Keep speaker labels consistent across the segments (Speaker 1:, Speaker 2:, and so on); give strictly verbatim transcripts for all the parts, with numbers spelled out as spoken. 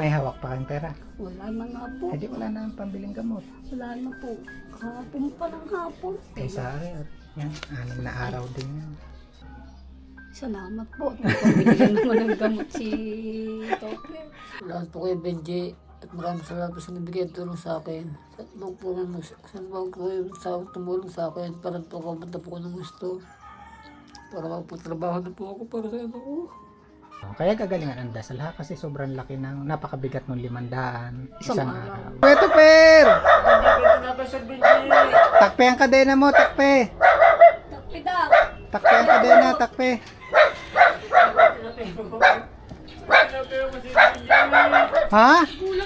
Speaker 1: may hawak pa kayong pera?
Speaker 2: Wala na nga po.
Speaker 1: Eh di wala na ang pambiling gamot.
Speaker 2: Wala na po. Kahapon pa ng hapon.
Speaker 1: Eh sa akin, yan, anim na araw din yan.
Speaker 2: Salamat po. Pabigyan naman ng gamot si Tokyo.
Speaker 3: Salamat po kay Benji at maraming salamat po sa nabigay at tulong sa akin. Sa bang po ng sa bang po yung sa tumulong sa akin para po kapunta po ko ng gusto. Para magputrabaho na po ako para sa ano ko.
Speaker 1: Kaya gagalingan ang dasal ha kasi sobrang laki ng napakabigat ng limandaan
Speaker 2: Isang
Speaker 1: isang
Speaker 2: araw.
Speaker 1: araw. Pweto per!
Speaker 3: Hindi ko na ba sa Benji?
Speaker 1: Takpe ang kadena mo, takpe!
Speaker 2: Takpida!
Speaker 1: Takpe ang kadena, takpe! Ha?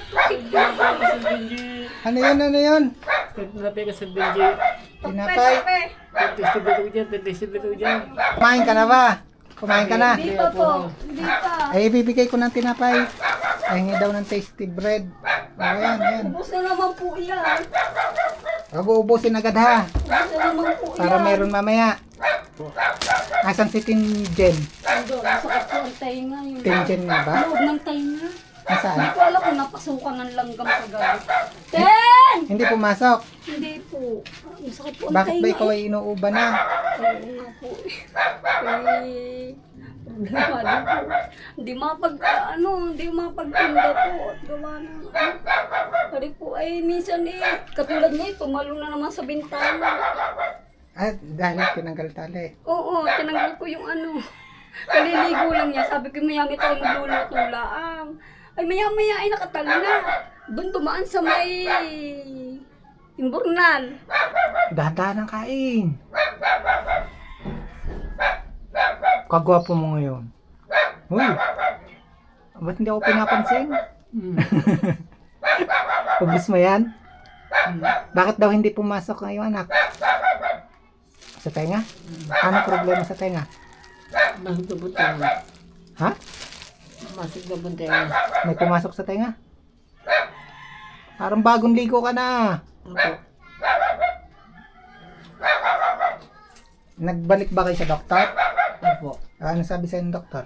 Speaker 1: Ano yun, ano yun?
Speaker 3: Tinapay ka sa Benji.
Speaker 1: Tinapay?
Speaker 3: Testible ko dyan, testible ko dyan.
Speaker 1: Kumain ka na ba? Kumain ka na?
Speaker 2: Hindi pa po. Hindi pa.
Speaker 1: Ay, ibibigay ko ng tinapay. Ay, hingi daw ng tasty bread. Ayan, ayan.
Speaker 2: Ubus na naman po yan.
Speaker 1: Huwag uubusin agad ha.
Speaker 2: Ubus na naman po yan.
Speaker 1: Para meron mamaya. Asan si Tinjen?
Speaker 2: Ando, masakit po ang tainga. Yung
Speaker 1: Tinjen nga ba?
Speaker 2: loob ng tainga.
Speaker 1: Nasaan?
Speaker 2: Hindi ko alam kung napasukan ng langgam sa gabi. Ten!
Speaker 1: Hindi pumasok.
Speaker 2: Hindi po. Masakit po ang
Speaker 1: Bakit
Speaker 2: tainga.
Speaker 1: ba ikaw ay inuuba na?
Speaker 2: Oo nga po. Eh, problema din po. Hindi mapag, ano, hindi mapagtinda po. At gawa na. Kari po ay minsan eh, katulad ngayon, tumalong na naman sa bintana.
Speaker 1: Ah, dahil tinanggal tali.
Speaker 2: Oo, tinanggal ko yung ano. Kaliligo lang niya. Sabi ko, maya may tayo maglulutulaang. Ay, maya-maya ay nakatalo na. Doon tumaan sa may imburnal.
Speaker 1: Dahan-dahan ang kain. Kagwapo mo ngayon. Uy, ba't hindi ako pinapansin?
Speaker 3: Hmm.
Speaker 1: Ubus mo yan? Bakit daw hindi pumasok ngayon, anak? Sa tenga? Anong problema sa tenga?
Speaker 3: Masig na po tayo.
Speaker 1: Ha?
Speaker 3: Masig na po tayo.
Speaker 1: May pumasok sa tenga? Parang bagong ligo ka na.
Speaker 3: Opo.
Speaker 1: Nagbalik ba kayo sa doktor?
Speaker 3: Opo.
Speaker 1: Ano sabi sa'yo ng doktor?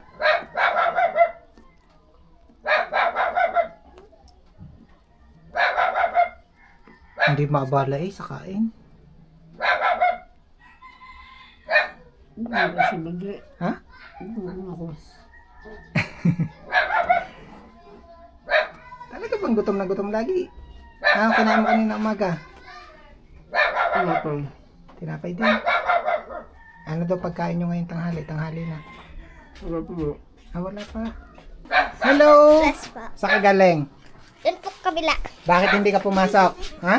Speaker 1: Hindi maabala eh sa kain.
Speaker 3: Hindi ba si Benji?
Speaker 1: Ha?
Speaker 3: Hindi mo ako.
Speaker 1: Talaga bang gutom na gutom lagi? Ah, kinain mo kanina umaga.
Speaker 3: Ano po?
Speaker 1: Tinapay din. Ano daw pagkain nyo ngayon tanghali? Tanghali na.
Speaker 3: Ano po?
Speaker 1: Ah, wala pa. Hello!
Speaker 4: Yes po.
Speaker 1: Sa kagaling.
Speaker 4: Doon po kabila.
Speaker 1: Bakit hindi ka pumasok? Ha?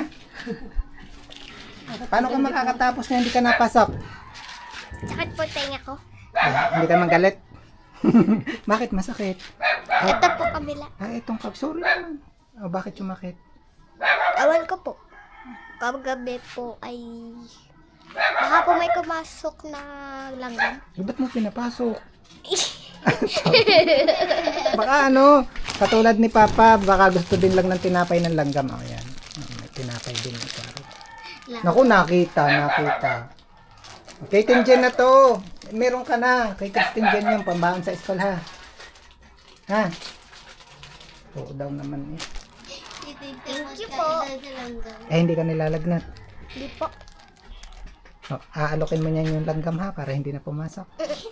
Speaker 1: Paano ka makakatapos na hindi ka napasok?
Speaker 4: Sakit po tenga ko.
Speaker 1: Ah, hindi ka magalit? Bakit masakit?
Speaker 4: Ito po kabila.
Speaker 1: Ah, itong cup. Sorry naman. Oh, bakit sumakit?
Speaker 4: Awan ko po. Kagabi po ay baka po may kumasok na langgam.
Speaker 1: Eh, ba't mo pinapasok? Baka ano, katulad ni Papa, baka gusto din lang ng tinapay ng langgam. Oh, yan. Oh, may tinapay din ito. Naku, nakita, nakita. Kay Tinjen na to. Meron ka na. Kay Tinjen yung pambahan sa school ha. Ha? Oo daw naman eh.
Speaker 4: Thank you po.
Speaker 1: Eh, hindi ka nilalagnat.
Speaker 4: Hindi po.
Speaker 1: Oh, aalokin mo niya yung langgam ha para hindi na pumasok.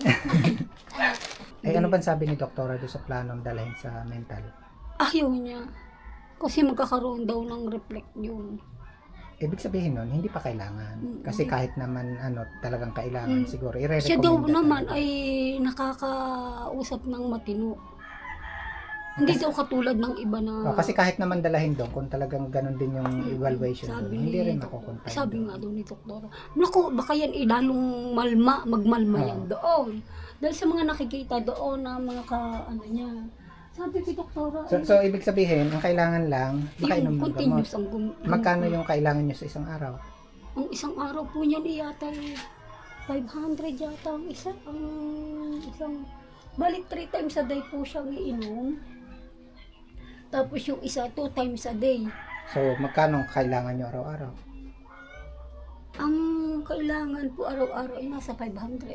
Speaker 1: Eh, ano ba sabi ni doktora doon sa planong dalhin sa mental?
Speaker 2: Ayaw niya. Kasi magkakaroon daw ng reflect yun.
Speaker 1: Ibig sabihin nun, hindi pa kailangan. Kasi kahit naman ano talagang kailangan
Speaker 2: Mm.
Speaker 1: siguro, i-recommend
Speaker 2: Siya daw
Speaker 1: na
Speaker 2: naman
Speaker 1: talaga.
Speaker 2: ay nakakausap ng matino. Hindi daw katulad ng iba na...
Speaker 1: Oh, kasi kahit naman dalahin doon, kung talagang ganun din yung evaluation doon,
Speaker 2: Sabi
Speaker 1: hindi
Speaker 2: ni
Speaker 1: rin
Speaker 2: Dok-
Speaker 1: makukuntay.
Speaker 2: Sabi nga daw ni Doktora, naku, baka yan eh, lalong malma, magmalma
Speaker 1: Oo.
Speaker 2: yan doon. Dahil sa mga nakikita doon na mga ka, ano niya. Sabi ko, Doktora,
Speaker 1: So, so ibig sabihin, ang kailangan lang, makainom
Speaker 2: yung
Speaker 1: ng gamot.
Speaker 2: continuous ang gum...
Speaker 1: Magkano yung kailangan nyo sa isang araw?
Speaker 2: Ang isang araw po niyan eh, yata eh, five hundred yata ang isa. Ang isang, balik three times a day po siyang iinom. Tapos yung isa, two times a day.
Speaker 1: So, magkano ang kailangan nyo araw-araw?
Speaker 2: Ang kailangan po araw-araw ay nasa five hundred.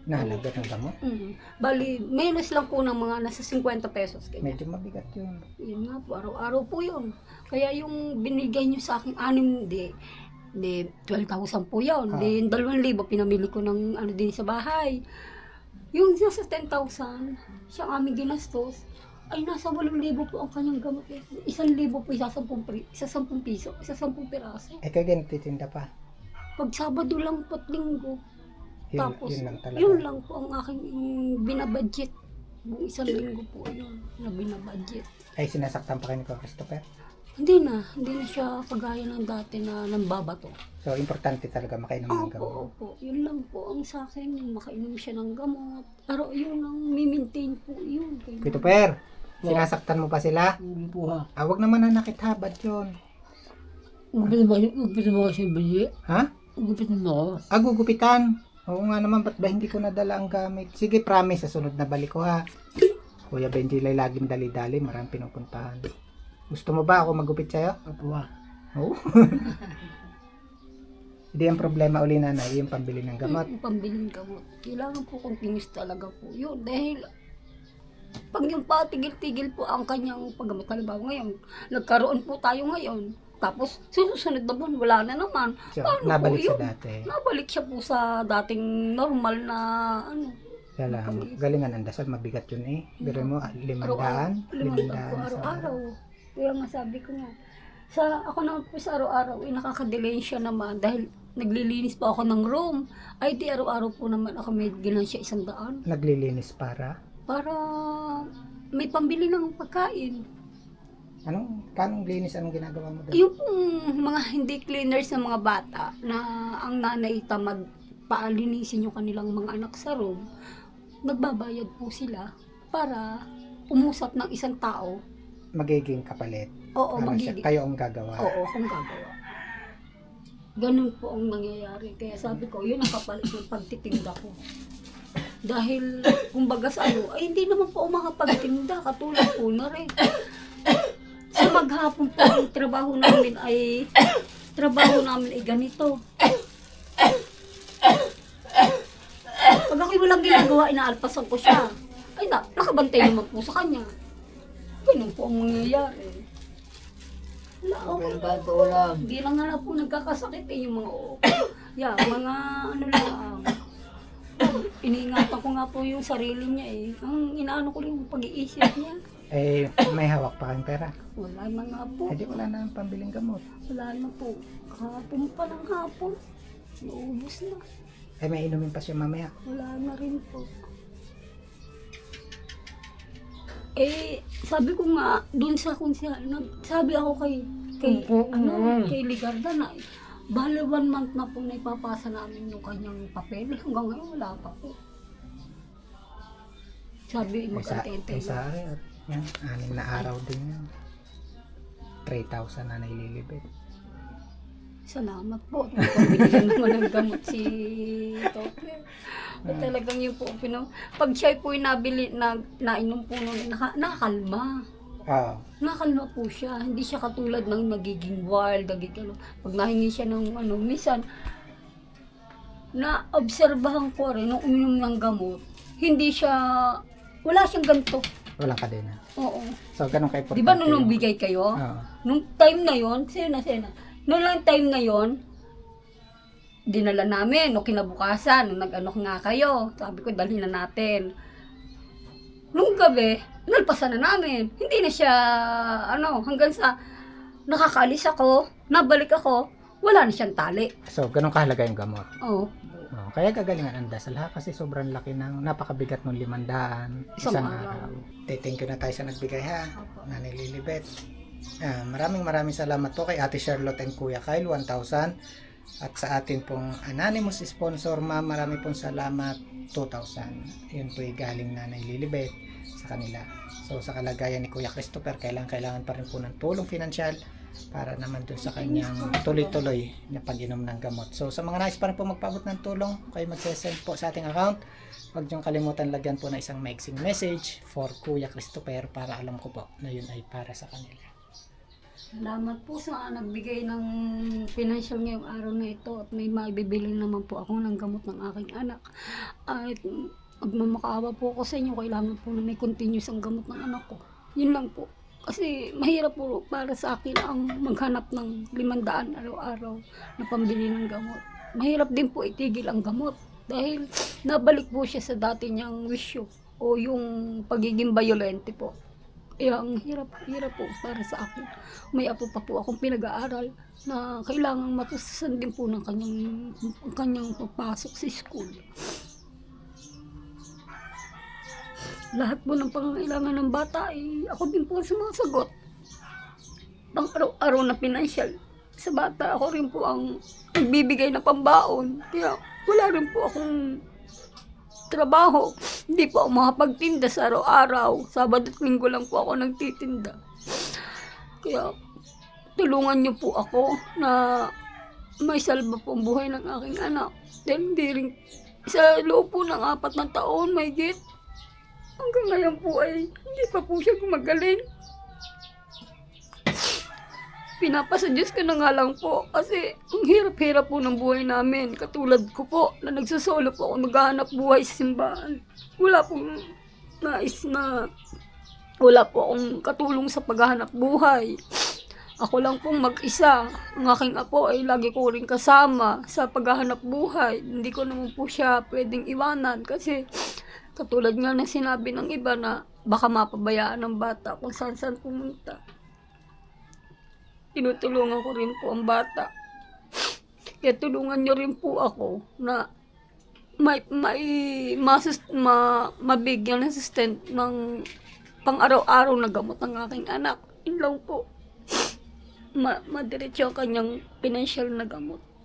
Speaker 1: Nahalaga ng gamot.
Speaker 2: Mm. Bali, menos lang po ng mga nasa fifty pesos. Ganyan.
Speaker 1: Medyo mabigat yun.
Speaker 2: Yun nga po, araw-araw po yun. Kaya yung binigay nyo sa akin, anim, di, di twelve thousand po yun.
Speaker 1: Ah.
Speaker 2: Di, dalawang libo, pinamili ko ng ano din sa bahay. Yung nasa ten thousand, siyang aming ginastos, ay nasa walong libo po ang kanyang gamot. Isang libo po, isa sampung, pri- isa sampung piso, isa sampung piraso.
Speaker 1: Eh, kaya ganito titinda pa.
Speaker 2: Pag Sabado lang po at Linggo,
Speaker 1: Yun,
Speaker 2: tapos,
Speaker 1: yun lang talaga.
Speaker 2: yun lang po ang aking mm, binabudget. Buong isang linggo po yun na binabudget.
Speaker 1: Ay, sinasaktan pa kayo ni Kuya Christopher.
Speaker 2: Hindi na, hindi na siya kagaya ng dati na nambabato.
Speaker 1: So, importante talaga makainom ng
Speaker 2: Opo,
Speaker 1: gamot.
Speaker 2: opo. Yun lang po ang sa akin, yung makainom siya ng gamot. Pero yun ang mimintain po yun. Kaya-
Speaker 1: Christopher, sinasaktan mo pa sila?
Speaker 3: Hindi po ha.
Speaker 1: Ah, wag naman na nakithabad yun.
Speaker 3: Ugupit mo, ugupit mo kasi bili.
Speaker 1: Ha?
Speaker 3: Ugupit mo ako.
Speaker 1: Ah, gugupitan. Oo nga naman, ba't ba hindi ko nadala ang gamit? Sige, promise, sa sunod na balik ko ha. Kuya Benji lay laging dali-dali, maraming pinupuntahan. Gusto mo ba ako magupit sa'yo?
Speaker 3: Opo ha.
Speaker 1: Oo. Hindi ang problema uli na yung pambili ng gamot.
Speaker 2: Yung pambiling gamot. Kailangan po continuous talaga po yun. Dahil pag yung patigil-tigil po ang kanyang paggamot. Halimbawa ngayon, nagkaroon po tayo ngayon. Tapos susunod na buwan, wala na naman.
Speaker 1: So,
Speaker 2: Paano
Speaker 1: nabalik
Speaker 2: po
Speaker 1: sa
Speaker 2: yun?
Speaker 1: dati.
Speaker 2: Nabalik siya po sa dating normal na ano.
Speaker 1: Kaya lang, galingan ang dasal, mabigat yun eh. Biro mo, ah, limandaan.
Speaker 2: Araw-araw. Limandaan po
Speaker 1: Limandaan sa
Speaker 2: araw-araw. Kaya nga sabi ko nga, sa ako naman po sa araw-araw, eh, nakaka-delay siya naman dahil naglilinis pa ako ng room. Ay di araw-araw po naman ako may ginansya isang daan.
Speaker 1: Naglilinis para.
Speaker 2: Para may pambili ng pagkain.
Speaker 1: Anong, kanong linis, anong ginagawa mo doon?
Speaker 2: Yung pong mga hindi cleaners ng mga bata na ang nanay tamad paalinisin yung kanilang mga anak sa room, nagbabayad po sila para umusap ng isang tao.
Speaker 1: Magiging kapalit.
Speaker 2: Oo,
Speaker 1: Ano siya,
Speaker 2: magiging.
Speaker 1: kayo ang gagawa.
Speaker 2: Oo, kung gagawa. Ganun po ang nangyayari. Kaya sabi ko, yun ang kapalit ng pagtitinda ko. Dahil, kumbaga sa ano, ay hindi naman po ako makapagtinda. Katulad po na rin. Sa maghapon po, yung trabaho namin ay, trabaho namin ay ganito. Pag ako'y walang ginagawa, inaalpasan ko siya. Ay na, nakabantay naman po sa kanya. Ganun po ang mangyayari. Wala, okay.
Speaker 3: Pero bago lang.
Speaker 2: Hindi lang nga po nagkakasakit eh, yung mga yeah, mga ano lang. Iniingatan ko nga po yung sarili niya eh. Ang inaano ko lang yung pag-iisip niya.
Speaker 1: Eh, may hawak pa kayong pera.
Speaker 2: Wala na nga po.
Speaker 1: Eh, di wala na ang pambiling gamot.
Speaker 2: Wala na po. Kahapon pa ng hapon. Naubos na.
Speaker 1: Eh, may inumin pa siya mamaya.
Speaker 2: Wala na rin po. Eh, sabi ko nga, dun sa kung siya, nag, sabi ako kay, kay, ano, kay Ligarda na, bali one month na po na ipapasa namin yung kanyang papel. Hanggang ngayon, wala pa po. Sabi,
Speaker 1: Eh, sa,
Speaker 2: mag-antay-antay
Speaker 1: eh, sa
Speaker 2: lang.
Speaker 1: akin, yan, anim na araw din yan. three thousand na naililibit.
Speaker 2: Salamat po. Pabigyan naman ng gamot si Topper. At talagang yun po, pino, pag siya po yung nabili, na, nainom po nun, naka, nakakalma.
Speaker 1: Oo.
Speaker 2: Nakalma po siya. Hindi siya katulad ng nagiging wild, nagiging ano. Pag nahingi siya ng ano, minsan, na-obserbahan ko rin, nung uminom ng gamot, hindi siya, wala siyang ganito.
Speaker 1: Walang kadena.
Speaker 2: Oo.
Speaker 1: So, ganun ka-importante.
Speaker 2: Di ba nung, nung
Speaker 1: yung-
Speaker 2: bigay kayo?
Speaker 1: Oo.
Speaker 2: Nung time na yon, sa'yo na, sa'yo na. Nung lang time na yon, dinala namin, no, kinabukasan, nung nag-ano nga kayo, sabi ko, dalhin na natin. Nung gabi, nalpasan na namin. Hindi na siya, ano, hanggang sa nakakaalis ako, nabalik ako, wala na siyang tali.
Speaker 1: So, ganun kahalaga yung gamot.
Speaker 2: Oo.
Speaker 1: Oh, kaya gagalingan ang dasal ha kasi sobrang laki ng napakabigat ng limandaan isang,
Speaker 2: Isang
Speaker 1: araw.
Speaker 2: araw.
Speaker 1: Okay, thank you na tayo sa nagbigay ha.
Speaker 2: Opo.
Speaker 1: Nanay Lilibet. Ah, maraming maraming salamat po kay Ate Charlotte and Kuya Kyle one thousand at sa atin pong anonymous sponsor ma'am marami pong salamat two thousand. Yun po yung galing Nanay Lilibet sa kanila. So sa kalagayan ni Kuya Christopher kailangan kailangan pa rin po ng tulong pinansyal para naman dun sa kanyang tuloy-tuloy na pag-inom ng gamot. So sa mga nais pa rin po magpaabot ng tulong, kayo magsesend po sa ating account. Huwag niyong kalimutan lagyan po na isang maiksing message for Kuya Christopher para alam ko po na yun ay para sa kanila.
Speaker 2: Salamat po sa nagbigay ng financial ngayong araw na ito at may maibibili naman po ako ng gamot ng aking anak. At magmamakaawa po ako sa inyo, kailangan po na may continuous ang gamot ng anak ko. Yun lang po. Kasi mahirap po para sa akin ang maghanap ng limandaan araw-araw na pambili ng gamot. Mahirap din po itigil ang gamot dahil nabalik po siya sa dati niyang wisyo o yung pagiging violente po. Kaya ang hirap, hirap po para sa akin. May apo pa po akong pinag-aaral na kailangang matusasan din po ng kanyang, kanyang papasok sa school. Lahat po ng pangangailangan ng bata ay ako din po ang sumasagot. Pang araw-araw na pinansyal sa bata, ako rin po ang nagbibigay na pambaon. Kaya wala rin po akong trabaho. Hindi po ako makapagtinda sa araw-araw. Sabado at linggo lang po ako nagtitinda. Kaya tulungan niyo po ako na may salba po ang buhay ng aking anak. Dahil hindi rin sa loob po ng apat na taon, may git. Hanggang ngayon po ay hindi pa po siya gumagaling. Pinapasa Diyos ko na nga lang po kasi ang hirap-hirap po ng buhay namin. Katulad ko po na nagsasolo po ako naghahanap buhay sa simbahan. Wala pong nais na wala po akong katulong sa paghahanap buhay. Ako lang pong mag-isa. Ang aking apo ay lagi ko rin kasama sa paghahanap buhay. Hindi ko naman po siya pwedeng iwanan kasi katulad nga na sinabi ng iba na baka mapabayaan ng bata kung saan-saan pumunta. Tinutulungan ko rin po ang bata. Kaya tulungan niyo rin po ako na may, may masus, ma, mabigyan ng assistant ng pang araw-araw na gamot ng aking anak. Yun lang po. Ma, madiretso ang kanyang financial na gamot.